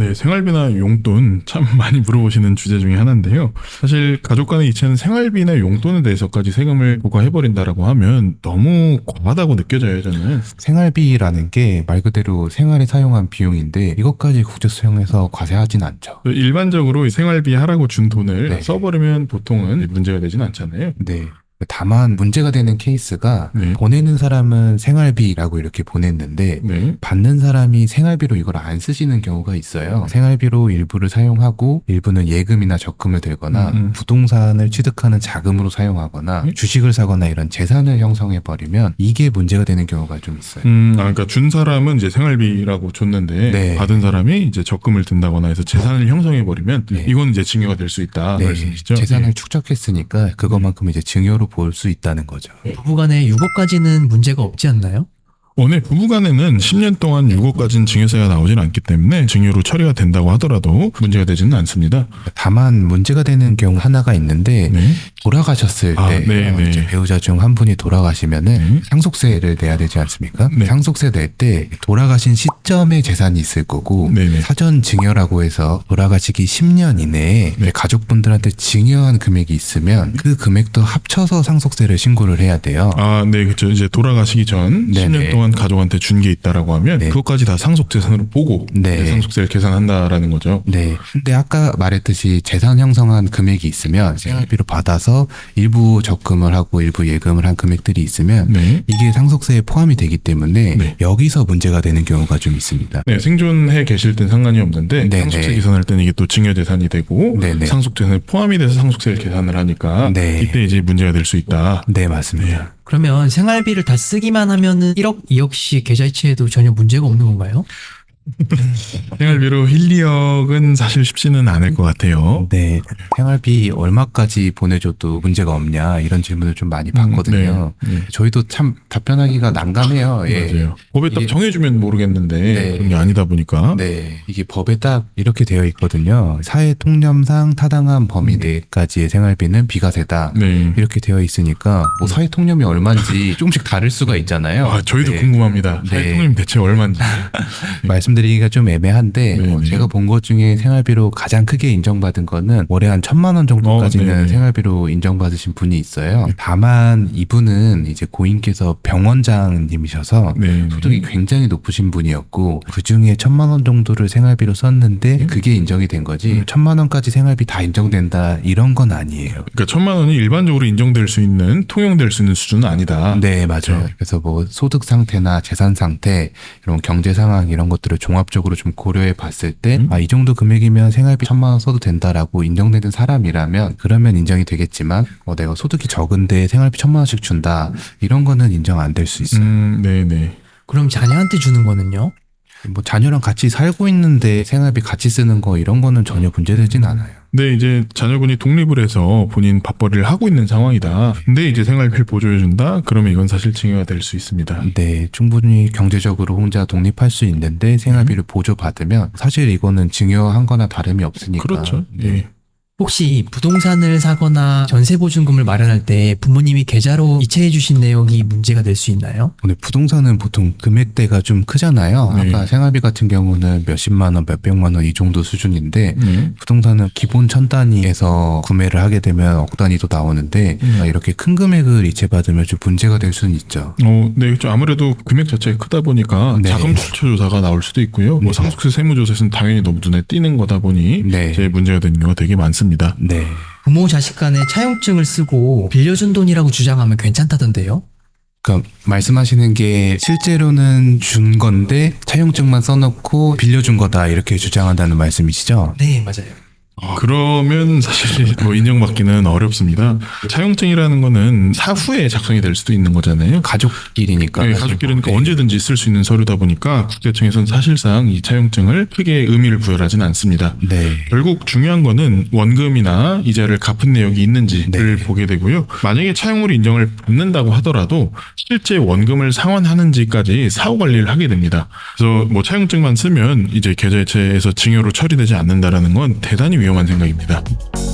네, 생활비나 용돈 참 많이 물어보시는 주제 중에 하나인데요. 사실 가족 간의 이체는 생활비나 용돈에 대해서까지 세금을 부과해버린다라고 하면 너무 과하다고 느껴져요, 저는. 생활비라는 게 말 그대로 생활에 사용한 비용인데 이것까지 국제수용해서 과세하진 않죠. 일반적으로 생활비 하라고 준 돈을 네. 써버리면 보통은 문제가 되진 않잖아요. 네. 다만 문제가 되는 케이스가 네. 보내는 사람은 생활비라고 이렇게 보냈는데 네. 받는 사람이 생활비로 이걸 안 쓰시는 경우가 있어요. 생활비로 일부를 사용하고 일부는 예금이나 적금을 들거나 부동산을 취득하는 자금으로 사용하거나 주식을 사거나 이런 재산을 형성해버리면 이게 문제가 되는 경우가 좀 있어요. 그러니까 준 사람은 이제 생활비라고 줬는데 네. 받은 사람이 이제 적금을 든다거나 해서 재산을 형성해버리면 네. 이건 이제 증여가 될 수 있다 말씀이시죠? 재산을 네. 축적했으니까 그것만큼 이제 증여로 볼 수 있다는 거죠. 부부간의 유고까지는 문제가 없지 않나요? 네, 부부간에는 10년 동안 유고까지는 증여세가 나오진 않기 때문에 증여로 처리가 된다고 하더라도 문제가 되지는 않습니다. 다만 문제가 되는 경우 하나가 있는데 네. 돌아가셨을 때 네. 이제 배우자 중 한 분이 돌아가시면은 상속세를 내야 되지 않습니까? 네. 상속세 낼 때 돌아가신 시점에 재산이 있을 거고 네네. 사전 증여라고 해서 돌아가시기 10년 이내에 네. 가족분들한테 증여한 금액이 있으면 그 금액도 합쳐서 상속세를 신고를 해야 돼요. 네, 그렇죠. 이제 돌아가시기 전 네네. 10년 동안 가족한테 준 게 있다라고 하면 네. 그것까지 다 상속재산으로 보고 네. 상속세를 계산한다라는 거죠. 네. 근데 아까 말했듯이 재산 형성한 금액이 있으면 생활비로 받아서 일부 적금을 하고 일부 예금을 한 금액들이 있으면 네. 이게 상속세에 포함이 되기 때문에 네. 여기서 문제가 되는 경우가 좀 있습니다. 네, 생존해 계실 땐 상관이 없는데 네네. 상속세 계산할 때는 이게 또 증여재산이 되고 네네. 상속재산에 포함이 돼서 상속세를 계산을 하니까 네. 이때 이제 문제가 될 수 있다. 네, 맞습니다. 그러면 생활비를 다 쓰기만 하면은 1억, 2억씩 계좌이체해도 전혀 문제가 없는 건가요? 생활비로 1, 2억은 사실 쉽지는 않을 것 같아요. 네. 생활비 얼마까지 보내줘도 문제가 없냐 이런 질문을 좀 많이 받거든요. 네. 저희도 참 답변하기가 난감해요. 예. 맞아요. 법에 딱 이게- 정해주면 모르겠는데 네. 그런 게 아니다 보니까 네, 이게 법에 딱 이렇게 되어 있거든요. 사회 통념상 타당한 범위 내까지의 생활비는 비과세다. 네. 이렇게 되어 있으니까 뭐 사회 통념이 얼마인지 조금씩 다를 수가 있잖아요. 저희도 네. 궁금합니다. 네. 사회통님 대체 얼마인지. 말씀드리기가 좀 애매한데 네. 제가 본 것 중에 생활비로 가장 크게 인정받은 거는 월에 한 1,000만 원 정도까지는 네. 생활비로 인정받으신 분이 있어요. 다만 이분은 이제 고인께서 병원장님이셔서 네. 소득이 굉장히 높으신 분이었고 그 중에 1,000만 원 정도를 생활비로 썼는데 그게 인정이 된 거지 1,000만 원까지 생활비 다 인정된다 이런 건 아니에요. 그러니까 1,000만 원이 일반적으로 인정될 수 있는 통용될 수 있는 수준은 아니다. 네, 맞아요. 그래서 뭐 소득 상태나 재산 상태 이런 경제 상황 이런 것들을 종합적으로 좀 고려해 봤을 때 이 정도 금액이면 생활비 1,000만 원 써도 된다라고 인정되는 사람이라면 그러면 인정이 되겠지만 내가 소득이 적은데 생활비 1,000만 원씩 준다 이런 거는 인정 안 될 수 있어요. 네네. 그럼 자녀한테 주는 거는요? 뭐 자녀랑 같이 살고 있는데 생활비 같이 쓰는 거 이런 거는 전혀 문제되진 않아요. 근데 이제 자녀분이 독립을 해서 본인 밥벌이를 하고 있는 상황이다. 근데 이제 생활비를 보조해준다? 그러면 이건 사실 증여가 될 수 있습니다. 네, 충분히 경제적으로 혼자 독립할 수 있는데 생활비를 보조받으면 사실 이거는 증여한 거나 다름이 없으니까. 그렇죠. 예. 혹시 부동산을 사거나 전세보증금을 마련할 때 부모님이 계좌로 이체해 주신 내역이 문제가 될 수 있나요? 근데 부동산은 보통 금액대가 좀 크잖아요. 네. 아까 생활비 같은 경우는 몇십만 원, 몇백만 원 이 정도 수준인데 부동산은 기본 1,000단위에서 구매를 하게 되면 억 단위도 나오는데 이렇게 큰 금액을 이체받으면 좀 문제가 될 수는 있죠. 네, 좀 아무래도 금액 자체가 크다 보니까 네. 자금 출처 조사가 나올 수도 있고요. 뭐 상속세 세무조사에서는 당연히 너무 눈에 띄는 거다 보니 네. 제일 문제가 되는 경우가 되게 많습니다. 네. 부모 자식 간에 차용증을 쓰고 빌려준 돈이라고 주장하면 괜찮다던데요? 그러니까 말씀하시는 게 실제로는 준 건데 차용증만 써놓고 빌려준 거다 이렇게 주장한다는 말씀이시죠? 네, 맞아요. 그러면 사실 뭐 인정받기는 어렵습니다. 차용증이라는 거는 사후에 작성이 될 수도 있는 거잖아요. 가족끼리니까. 네, 가족끼리니까 네. 언제든지 쓸 수 있는 서류다 보니까 국세청에서는 사실상 이 차용증을 크게 의미를 부여하지는 않습니다. 네. 결국 중요한 거는 원금이나 이자를 갚은 내역이 있는지를 보게 되고요. 만약에 차용으로 인정을 받는다고 하더라도 실제 원금을 상환하는지까지 사후 관리를 하게 됩니다. 그래서 뭐 차용증만 쓰면 이제 계좌이체에서 증여로 처리되지 않는다라는 건 대단히 위험한 생각입니다.